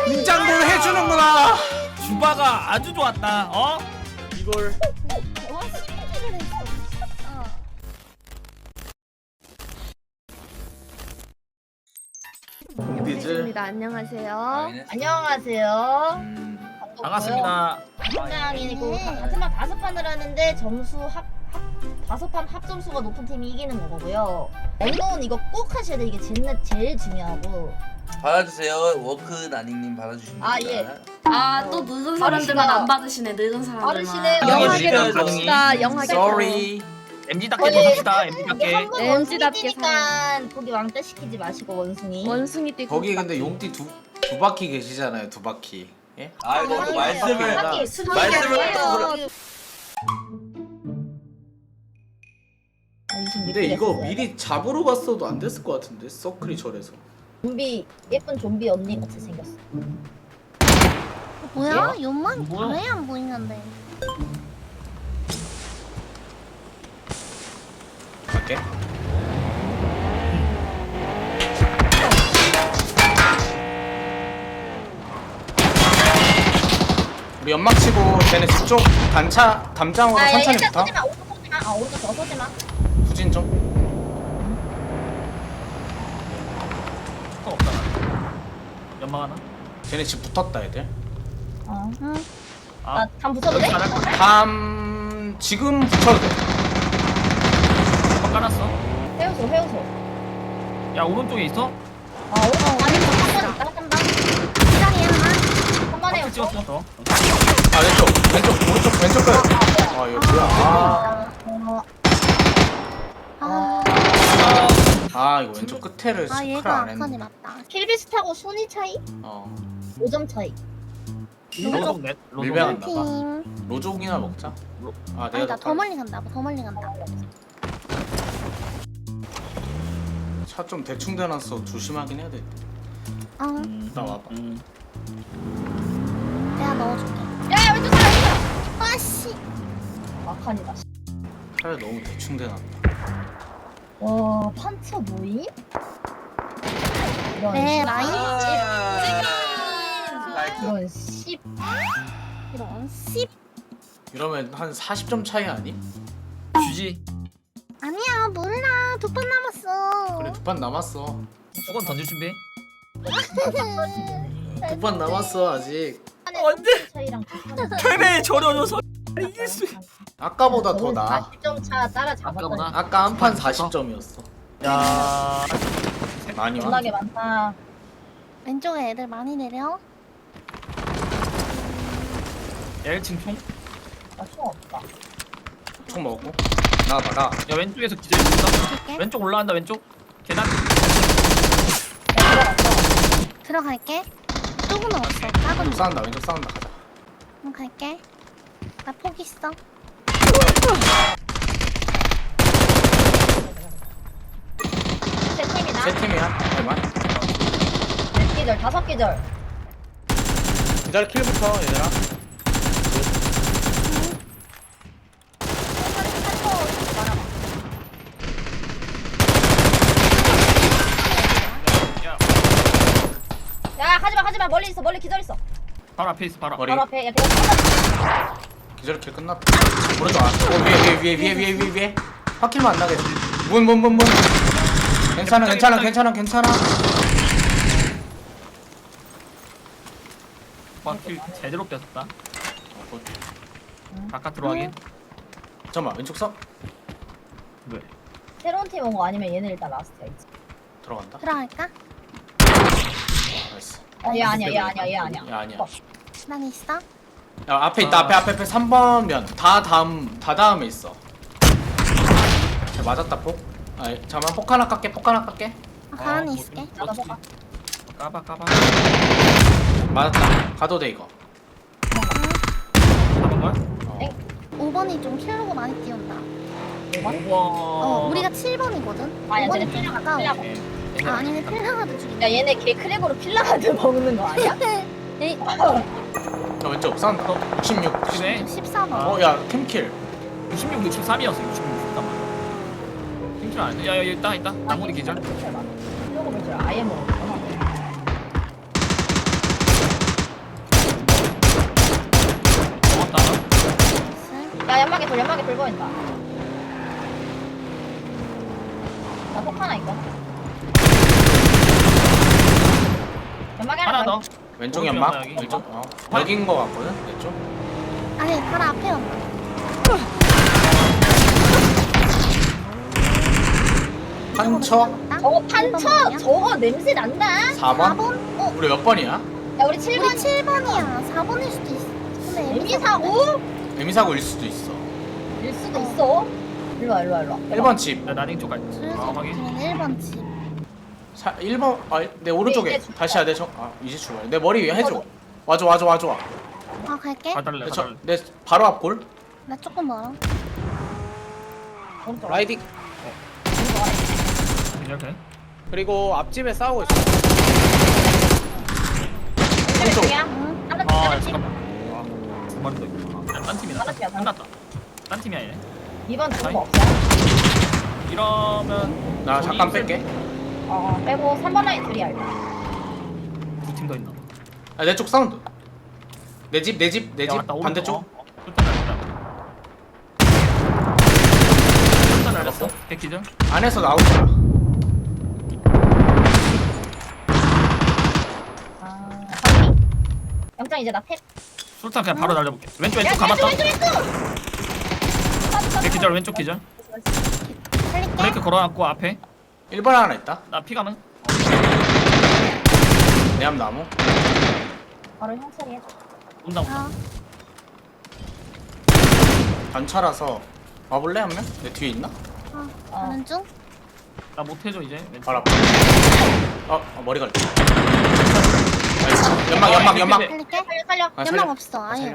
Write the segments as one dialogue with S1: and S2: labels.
S1: 긴장도 해주는구나.
S2: 주바가 아주 좋았다. 어? 이걸
S3: 와 신기를 했어.
S1: 디즈.
S3: 안녕하세요.
S4: 안녕하세요.
S2: 반갑습니다.
S4: 팀장이고 같은 반 5판을 하는데 점수 다섯 판 합점수가 높은 팀이 이기는 거고요. 언노운 이거 꼭 하셔야 돼. 이게 제일 중요하고.
S5: 받아주세요. 워크 나닝님 받아주시면
S4: 아,
S5: 됩니다.
S6: 아 또 늙은 사람들만 안 받으시네. 늙은 사람들만.
S4: 빠르시네요.
S2: 영하게
S1: 영하게
S2: 갑시다.
S3: 영하게.
S1: Sorry.
S2: MG답게 갑시다. MG답게.
S4: 한번
S3: MG답게
S4: 원숭이니까 거기 왕따 시키지 마시고 원숭이.
S3: 원숭이 뛰고.
S1: 거기 근데 용띠 두 바퀴 계시잖아요. 두 바퀴. 예?
S5: 아 이거 또 말씀을
S4: 말씀을
S1: 근데 이거 미리 잡으러 갔어도 안 됐을 것 같은데 서클이 저래서.
S4: 좀비 예쁜 좀비 언니 같이 생겼어.
S3: 뭐야? 연만
S2: 뭐야?
S3: 왜 안 보이는데?
S1: 갈게. 우리 연막 치고 쟤네 집쪽 담장으로 천천히
S4: 일단
S1: 붙어.
S4: 쏘지마. 오른쪽 쏘지마. 오른쪽 더 쏘지마.
S1: 후진 좀.
S2: 없다. 연막 하나.
S1: 쟤네 집 붙었다 애들.
S3: 응.
S2: 아,
S4: 나담 붙여도 돼?
S2: 여기 잘할 거야.
S1: 담 지금 붙여도 돼.
S2: 연막 깔았어.
S4: 해우소.
S2: 야 오른쪽에 있어?
S4: 오른쪽 아니 한번 있다. 한번
S3: 시장이 하나.
S4: 한번 해요.
S2: 찍었어. 더.
S1: 아 왼쪽 오른쪽 끝. 아 이거 뭐야? 아 이거 왼쪽 끝에를 스크를
S3: 얘가
S1: 안
S3: 아칸이
S1: 했네.
S3: 맞다.
S4: 킬비스타고 순위 차이?
S1: 어
S4: 5점 차이.
S2: 로족 넷.
S1: 밀배한
S2: 로족
S1: 나
S2: 넷.
S1: 봐.
S3: 팀.
S1: 로족이나 먹자. 아 내가
S3: 아니다 더 멀리 간다. 더 멀리 간다.
S1: 차좀 대충 대놨어. 조심하긴 해야 돼.
S3: 응.
S1: 나 와봐.
S3: 내가 넣어줄게.
S4: 야 왼쪽 사람
S3: 아씨.
S4: 아칸이다.
S1: 차를 너무 대충 대놨다.
S4: 와 판처 모임?
S3: 네 라인.
S4: 이런 씨.
S3: 이런 씨.
S1: 이러면 한 40점 차이 아니?
S2: 주지.
S3: 아니야 몰라. 2판 남았어.
S1: 그래 2판 남았어.
S2: 수건 던질 준비.
S1: 2판 남았어 아직.
S2: 언제?
S4: 차이랑
S2: 패배에 절여져서 이길 수.
S1: 아까보다 더 나아.
S4: 40점 차 따라잡았다.
S2: 아까보다?
S1: 아까 한 판 40점이었어.
S2: 야.
S1: 많이 와.
S4: 겁나게 많다.
S3: 왼쪽에 애들 많이 내려.
S2: 1층 총.
S4: 나총 없다.
S1: 총 먹고. 나와봐 나.
S2: 야 왼쪽에서 기절 있어.
S3: 줄게.
S2: 왼쪽 올라간다 왼쪽. 계단.
S3: 들어갈게. 조금은 없어. 작은
S1: 왼쪽 싸운다 왼쪽 싸운다 가자.
S3: 응 갈게. 나 폭 있어.
S4: 세 팀이나?
S1: 세 팀이야. 대만.
S4: 네 기절, 5기절.
S1: 기다려 킬부터 얘들아.
S2: 야
S4: 야 하지마 멀리 있어. 멀리 기절 있어.
S2: 바로 앞에 있어 바로.
S1: 머리.
S4: 바로 앞에. 야 내가
S1: 기절 킬 끝났다. 오른쪽 안. 위에. 바퀴만 안 나게. 문. 괜찮아.
S2: 킬 제대로 뺏었다. 바깥으로 확인.
S1: 잠깐만 왼쪽 서
S2: 왜?
S4: 새로운 팀 온 거 아니면 얘네 일단 라스트야. 이제.
S1: 들어간다.
S3: 들어갈까?
S1: 나이스.
S4: 얘 아니야. 얘 아니야.
S1: 야 아니야.
S3: 난 있어.
S1: 야 앞에 있다. 앞에 3번 면. 다 다음에 있어. 야, 맞았다 폭. 아 잠깐만 폭 하나 깎게.
S3: 가만히 있을게.
S4: 나도 봐봐.
S2: 까봐.
S1: 맞았다. 가도 돼 이거.
S2: 잡은 거야?
S1: 어.
S3: 5번이 좀 킬로고 많이 띄운다.
S2: 5번.
S3: 우리가 7번이거든.
S4: 아니야,
S3: 5번이
S4: 쟤네
S3: 좀
S4: 필라가
S3: 가까워.
S4: 필라가.
S3: 아, 아니네 필라가도 죽이네.
S4: 야 얘네 걔 크랙으로 필라가드 먹는 거 아니야?
S3: 에이,
S1: 야 왼쪽 싸운다. 66.
S2: 그래?
S3: 14번.
S1: 어야 팀킬.
S2: 66, 63이었어. 66, 63. 힘줄 안 돼. 야 있다. 나무리 기절.
S4: 필라가 볼줄 아예 모르겠구나. 연막에 불 보인다. 나폭 하나 있고. 연막에
S2: 하나
S4: 하나
S2: 더.
S1: 왼쪽
S2: 오른쪽
S1: 연막?
S2: 연막 여기.
S1: 왼쪽? 여긴 거 같거든? 왼쪽?
S3: 아니 바로 앞에 온다.
S1: 판처?
S4: 저거 판처! 저거 냄새 난다?
S1: 4번?
S3: 4번?
S1: 우리 몇 번이야?
S4: 야 우리
S3: 우리
S4: 7번
S3: 7번이야. 4번일 수도 있어. 근데
S4: 에미사고?
S1: 에미사고일 수도 있어.
S4: 일 수도 있어. 일로와 일로와 일로와.
S1: 1번 집.
S2: 나 나닝 쪽 갈게. 아 확인.
S3: 그러면 1번 집.
S1: 1번, 내 오른쪽에.
S4: 이제
S1: 다시 해야 돼. 이제 출발. 내 머리 위에 해줘. 와줘, 와줘, 와줘.
S3: 아 갈게.
S2: 가달래 가달래.
S1: 내 바로 앞 골.
S3: 나 조금 멀어.
S4: 오른쪽
S7: 라이딩.
S2: 이렇게.
S7: 그리고 앞집에 싸우고 있어.
S1: 오른쪽.
S4: 왼쪽이야?
S3: 응.
S4: 하나
S2: 아
S4: 팀.
S2: 잠깐만. 두 마리 더 있구나. 딴 팀이다.
S4: 다른 팀이야, 다른
S2: 끝났다. 딴 팀이야 얘.
S4: 2번
S2: 아이.
S4: 누구 없어?
S2: 이러면
S1: 나 잠깐 뺄게.
S4: 빼고 3번 라인 둘이야 일단.
S2: 두팀 더 있나?
S1: 내 쪽 사운드. 내 집, 내 집, 내
S2: 야,
S1: 집.
S2: 맞다, 오른쪽.
S1: 반대쪽.
S2: 일단 알았어. 개기죠?
S1: 안에서 나오더라.
S4: 확인. 영장 이제 나 탭.
S2: 술탄 그냥 바로 날려볼게. 왼쪽 감았다.
S4: 왼쪽.
S2: 개기절 왼쪽 기절.
S3: 살릴게.
S2: 브레이크 걸어놨고 앞에.
S1: 1번 하나 있다.
S2: 나 피가는.
S1: 내 앞 나무.
S4: 바로 형 처리해줘.
S2: 온다 온다.
S1: 단차라서 와볼래 한 명? 내 뒤에 있나?
S3: 가는 중.
S2: 나 못해줘 이제. 왼쪽.
S1: 바로 앞에. 머리 걸려. 나이스. 연막.
S3: 살릴게.
S4: 살려.
S1: 아,
S3: 연막 없어. 아예.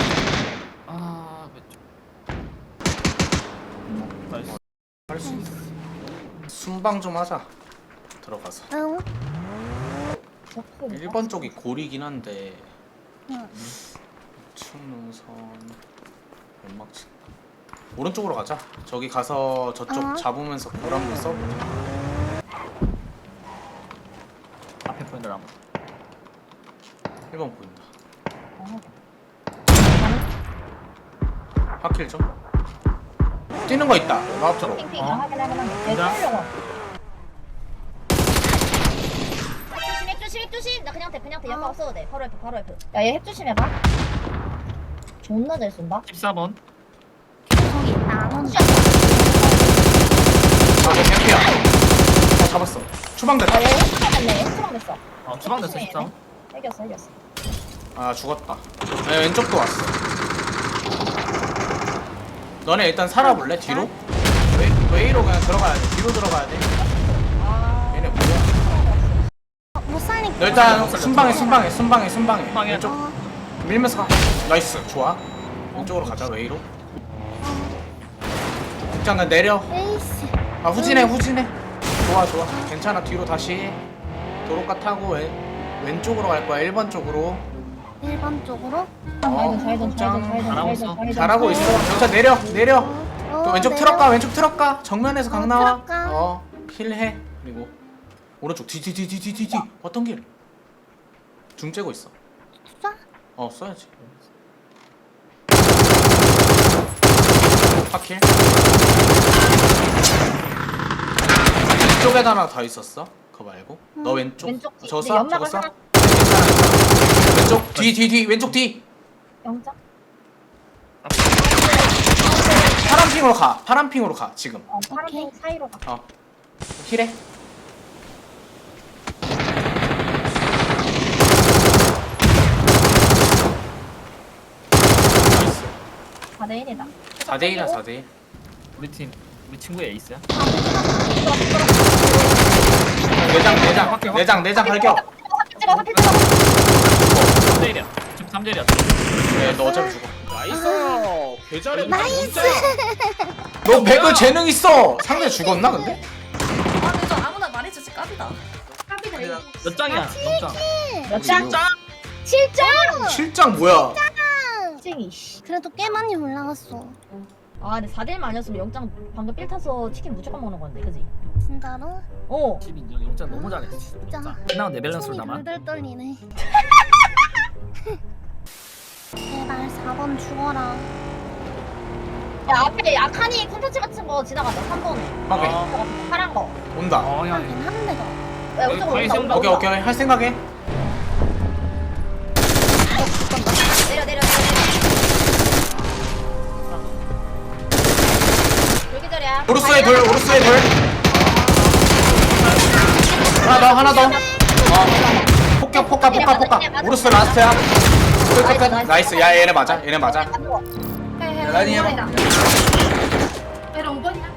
S2: 아 왼쪽. 나이스.
S1: 할수 있어. 순방 좀 하자. 들어가서.
S3: 응.
S1: 1번 쪽이 골이긴 한데
S3: 응.
S1: 충능선 연막 치. 오른쪽으로 가자. 저기 가서 저쪽 잡으면서 골 한번 써보자.
S2: 앞에 보인다 나무.
S1: 1번 보인다. 하킬 좀. 뛰는 거 있다. 나 앞으로.
S4: 핑핑.
S2: 어?
S4: 확인하면 돼.
S2: 간다.
S4: 핵조심. 나 그냥 돼. 연막 없어도 돼. 바로 F. 야, 얘 핵조심 해봐. 존나 잘 쏜다.
S2: 14번.
S3: 저기 있다. 안 온다.
S1: 저거 캠피야. 잡았어. 추방
S4: 야,
S1: 됐다.
S4: 얘 핵조심 됐네. 핵조심 됐어.
S2: 주방 됐어 14번.
S4: 이겼어.
S1: 아 죽었다. 왼쪽도 왔어. 너네 일단 살아볼래? 뒤로? 웨이로 그냥 들어가야 돼. 뒤로 들어가야 돼. 얘네 뭐야?
S3: 못 살릴게.
S1: 너 일단 순방해.
S2: 순방해.
S1: 왼쪽
S3: 어.
S1: 밀면서 가. 나이스. 좋아. 왼쪽으로 가자. 웨이로. 일단 그냥 내려.
S3: 에이씨.
S1: 후진해. 좋아. 괜찮아. 뒤로 다시 도로가 타고 왼쪽으로 갈 거야. 1번 쪽으로.
S3: 1번 쪽으로.
S1: 잘하고 있어. 경찰 내려. 또 왼쪽 트럭 가. 정면에서 강 나와.
S3: 트럭 가.
S1: 힐해. 그리고 오른쪽 뒤. 어떤 길? 중 째고 있어.
S3: 쏴.
S1: 써야지. 파킬. 이쪽에다 하나 더 있었어. 그거 말고. 너 왼쪽.
S4: 왼쪽 뒤.
S1: 저거
S4: 근데
S1: 쏴.
S4: 연막을
S1: 저거 쏴.
S4: 하나-
S1: 왼쪽 뒤. 왼쪽 뒤.
S4: 영장.
S1: 파란 핑으로 가. 지금.
S4: 파란색 사이로 가.
S1: 힐해. 나이스.
S4: 4대1이다.
S1: 4대1이야 4대1.
S2: 우리 친구의 에이스야.
S1: 내장 발격.
S4: 찍어.
S2: 3대1이야. 지금 3대1이야.
S1: 네, 너 어차피 죽어.
S7: 나이스. 개잘해.
S3: 나이스.
S1: 너 배그 재능 있어. 상대 죽었나 근데?
S6: 아 근데 저 아무나 말해주지 깝이다.
S2: 몇 장이야? 몇 장?
S4: 몇 장? 7장?
S1: 7장 뭐야?
S4: 쟁이 씨.
S3: 그래도 꽤 많이 올라갔어.
S4: 아 근데 4대1만 아니었으면 영장 방금 삘 타서 치킨 무조건 먹는 건데 그지?
S3: 진짜로?
S4: 어.
S2: 10인정. 영장 너무 잘했어.
S3: 진짜.
S2: 끝나고 내 밸런스로
S3: 손이
S2: 남아.
S3: 덜덜 떨리네. 제발 4번 죽어라.
S4: 야 앞에 아카니 콘텐츠 같은 거 지나간다 3번에
S1: 오케이.
S4: 파란 거
S1: 온다.
S2: 어야
S3: 하긴 한대 더.
S4: 야,
S2: 여기
S4: 이쪽으로
S2: 거의
S4: 온다,
S2: 세운다.
S4: 온다,
S1: 오케이
S4: 온다.
S1: 오케이 할 생각해.
S4: 내려 여기저리야
S1: 오르스의 돌 오르스의 돌. 하나 더. 폭격 폭가. 오르스 라스트야. 끝. 나이스. 야 얘네 맞아.
S5: 라니 해봐.
S6: 얘랑 5번이야?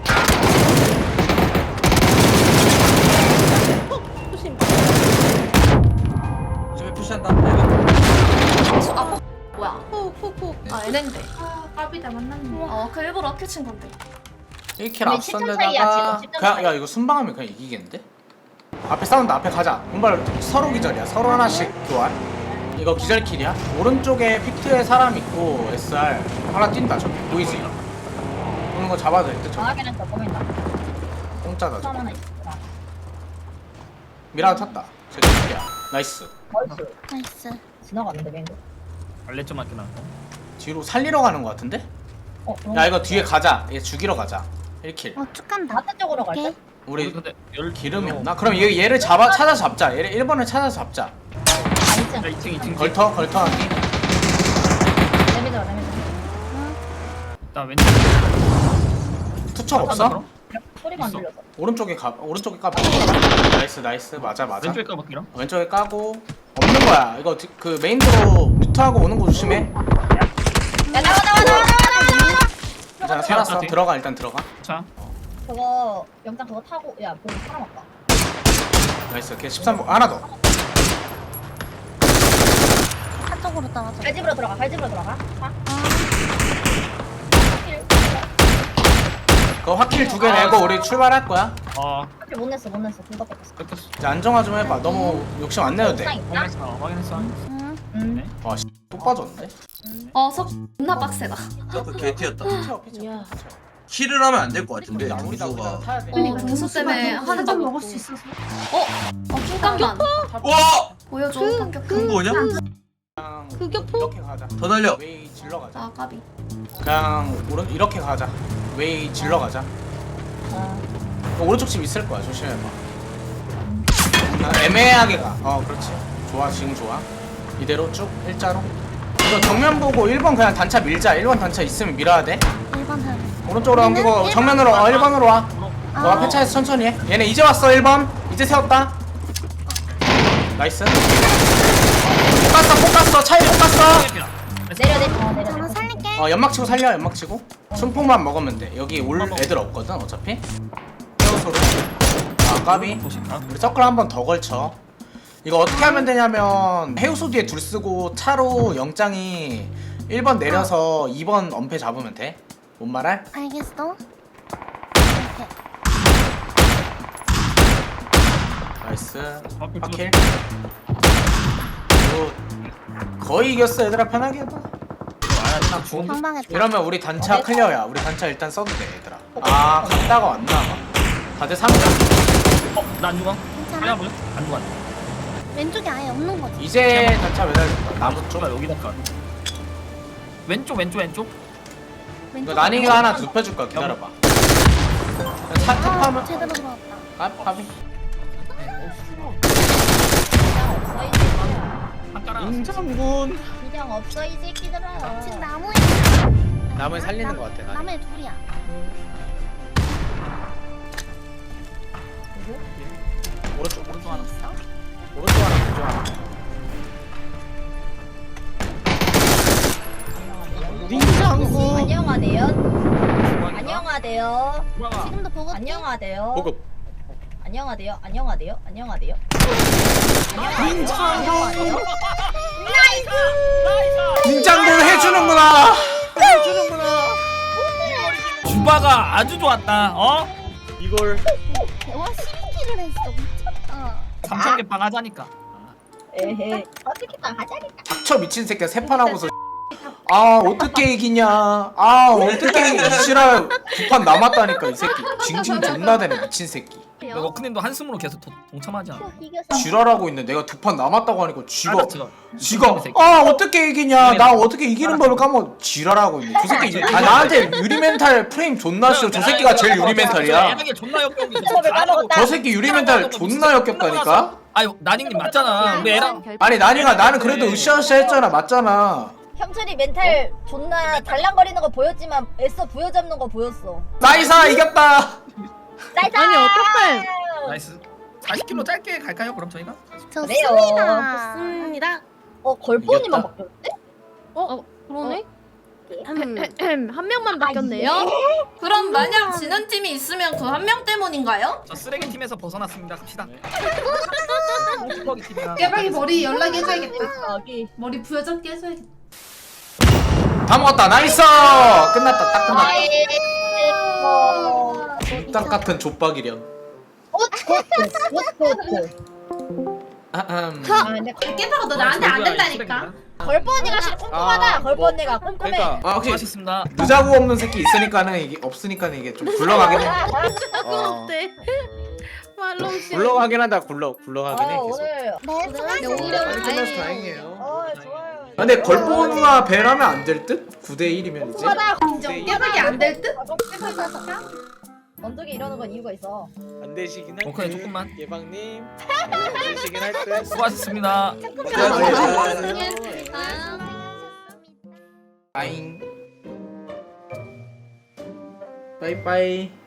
S5: 저기 푸시한다.
S6: 아 뭐야? 푹. 아 얘넨데. 까비다 만났네. 그 일부러 큐친 건데.
S1: 1킬
S4: 우리 10점 차이야,
S1: 앞선데다가
S4: 지금 10점
S1: 그냥 야 이거 순방하면 그냥 이기겠는데? 앞에 싸운다. 앞에 가자. 분발 서로 기절이야. 서로 하나씩 교환. 이거 기절킬이야. 오른쪽에 픽트에 사람 있고 SR 하나 뛴다. 저기 보이지? 오는 거 잡아도 될 듯. 저기
S4: 정확히는 더 보인다
S1: 공짜다.
S4: 사람
S1: 저거.
S4: 하나 있어
S1: 미라도 탔다. 저기 픽트야. 나이스.
S4: 나이스
S3: 나이스.
S4: 지나갔는데 맹구
S2: 발레 좀 맞긴 하고.
S1: 뒤로 살리러 가는 거 같은데?
S4: 어
S1: 야 이거 뒤에 가자. 얘 죽이러 가자. 1킬.
S3: 쭉 간다.
S4: 마트 쪽으로 갈까?
S3: 오케이.
S1: 우리
S2: 근데 열
S1: 기름이 없나? 그럼 얘를 찾아 잡자. 얘를 1번을 찾아 잡자.
S4: 아니지
S2: 야 2층
S1: 걸터 하기.
S4: 내미더라
S2: 나 왼쪽
S1: 투척 없어?
S4: 소리가 안
S2: 있어.
S4: 들려서
S1: 오른쪽에 까. 나이스. 맞아.
S2: 왼쪽에 까볼게요.
S1: 왼쪽에 까고 없는 거야. 이거 그 메인도로 뮤트하고 오는 거 조심해.
S4: 야 나와
S1: 괜찮아. 살았어.
S2: 오케이.
S1: 들어가 일단 들어가.
S2: 자
S4: 그거 영장 그거 타고 야 보고 사람 왔다
S1: 나이스. 걔 13번 하나 더.
S3: 한쪽으로 떨어져.
S4: 갈집으로 들어가 자
S1: 그거 확킬 2개 내고 우리 출발할 거야.
S4: 사실 못 냈어 둘다 뺏겼어
S2: 뺏겼어.
S1: 이제 안정화 좀 해봐. 너무 욕심 안 내도 돼.
S4: 옥상 있나?
S2: 확인했어.
S3: 응.
S4: 응
S1: 와, 또 빠졌네.
S6: 속 존나 빡세다.
S5: 그 개티였다.
S3: 야.
S5: 킬을 하면 안 될 것 같은데.
S1: 우리다
S5: 점수가.
S1: 타야 돼.
S6: 등수 때문에 하는 거 먹을 수 있어서. 잠깐만.
S5: 와!
S6: 보여줘. 합격.
S5: 큰 거냐?
S1: 그냥 이렇게 가자.
S5: 더 날려.
S1: 웨이 질러 가자.
S6: 아 까비.
S1: 그냥 이렇게 가자. 웨이 질러 가자. 오른쪽 집 있을 거야. 조심해봐. 애매하게 가. 그렇지. 좋아. 지금 좋아. 이대로 쭉 일자로. 이거 정면 보고 1번 그냥 단차 밀자. 1번 단차 있으면 밀어야 돼.
S3: 1번 해.
S1: 오른쪽으로 넘기고 정면으로 1번으로 와. 앞에 차에서 천천히 해. 얘네 이제 왔어. 1번. 이제 세웠다. 나이스. 못 갔어. 차에 못 갔어.
S4: 내려
S3: 저는 살릴게.
S1: 연막 치고 살려. 연막 치고. 순풍만 먹으면 돼. 여기 올 애들 없거든. 어차피. 헤어소로. 까비. 우리 서클 한 번 더 걸쳐. 이거 어떻게 하면 되냐면 해우소 뒤에 둘 쓰고 차로 영장이 1번 내려서 2번 엄폐 잡으면 돼. 뭔 말할?
S3: 알겠어. 이렇게.
S1: 나이스. 파킬. 거의 이겼어. 얘들아 편하게 해봐.
S3: 방방했다.
S1: 이러면 우리 단차 클리어야. 우리 단차 일단 써도 돼 얘들아. 갔다가 왔나 봐. 다들 3점.
S2: 나안 죽어.
S3: 괜찮아?
S2: 그냥 보여? 안 죽어.
S3: 왼쪽에 아예 없는 거지.
S1: 이제 단차 매달렸다. 나무 쪽.
S2: 가 여기다 까. 왼쪽.
S1: 이거 난이가 하나 눕혀줄 거야. 기다려봐. 차 탑하면
S3: 제대로 들어왔다.
S1: 까비.
S2: 한 깔아.
S1: 인장군.
S4: 비장 없어 이 새끼들아
S3: 지금 나무에.
S1: 나무에 살리는 거 같아.
S3: 나무에 둘이야.
S1: 오른쪽 하나.
S3: 있어?
S1: 오른쪽 하나. 왼쪽 하나. 인장군.
S4: 안녕하대요 안녕하대요
S3: 지금도 보고.
S4: 안녕하대요
S1: 보급.
S4: 안녕하대요 안녕하대요
S1: 인장군 해주는구나.
S2: 주바가 아주 좋았다.
S1: 이걸
S3: 와 12킬을 했어. 미쳤다.
S2: 3,000개 빵 하자니까.
S4: 에헤 어떻게 딱 하자니까
S1: 닥쳐 미친 새끼야. 3판 하고서 어떻게 이기냐. 어떻게 이기시라 9판 남았다니까 이 새끼. 징징 존나 되네 미친 새끼.
S6: 아니에요.
S2: 워크님도 한숨으로 계속 동참하지 않아?
S3: 이겼어.
S1: 지랄하고 있네. 내가 두 판 남았다고 하니까 지가
S2: 알았어.
S1: 어떻게 이기냐? 나 어떻게 이기는 법을 까먹 지랄하고 있네. 저 새끼 나한테 유리 멘탈 프레임 존나 씌워. 저 새끼가 제일 유리 멘탈이야.
S2: 애매하게 존나 역겨운 게
S1: 저 새끼 유리 멘탈 존나 역겹다니까.
S2: 아니 나닝님 맞잖아. 우리 애랑
S1: 아니 나는 그래도 으쌰으쌰 했잖아. 맞잖아.
S4: 형철이 멘탈 존나 달랑거리는 거 보였지만 애써 부여잡는 거 보였어.
S1: 나이사 이겼다.
S4: 나이스!
S6: 아니 어떡해.
S2: 나이스. 40km 짧게 갈까요? 그럼 저희가?
S3: 좋습니다.
S6: 좋습니다.
S4: 걸포니만
S1: 이겼다.
S4: 바뀌었대?
S6: 그러네.
S3: 한 명만 바뀌었네요.
S6: 그럼 만약 지는 팀이 있으면 그 한 명 때문인가요?
S2: 저 쓰레기 팀에서 벗어났습니다. 갑시다. 쭈벅이 팀이랑.
S6: 깨박이 머리 연락해 줘야겠다. 머리 부여잡게 해줘야겠다.
S1: 다 먹었다. 나이스. 끝났다. 딱 끝났다. 딱 같은 족박이련.
S6: 깨박아 너 나한테 안 된다니까.
S4: 걸포 언니가 진짜 꼼꼼하다. 걸포 언니가 꼼꼼해.
S7: 그러니까
S1: 혹시
S2: 수고하셨습니다.
S1: 느자구 없는 새끼 있으니까는 이게 없으니까는 이게 좀 굴러가긴 해.
S3: 어때? 말롱 씨.
S7: 굴러가긴 한다. 굴러가긴 해. 계속.
S4: 오늘
S3: 네,
S7: 빨리 끝나서
S3: 오늘
S7: 다행이에요.
S4: 좋아요.
S1: 근데 걸보누나 배라면 안 될 듯? 9대1이면 이제.
S4: 꼼꼼하다.
S6: 인정. 깨박이 안 될 듯?
S4: 언덕이 이러는 건 이유가 있어.
S7: 안 되시긴 할
S2: 오케이,
S7: 듯.
S2: 조금만.
S7: 예방님. 안 되시긴 할 듯.
S2: 수고하셨습니다.
S1: 아잉. 빠이빠이.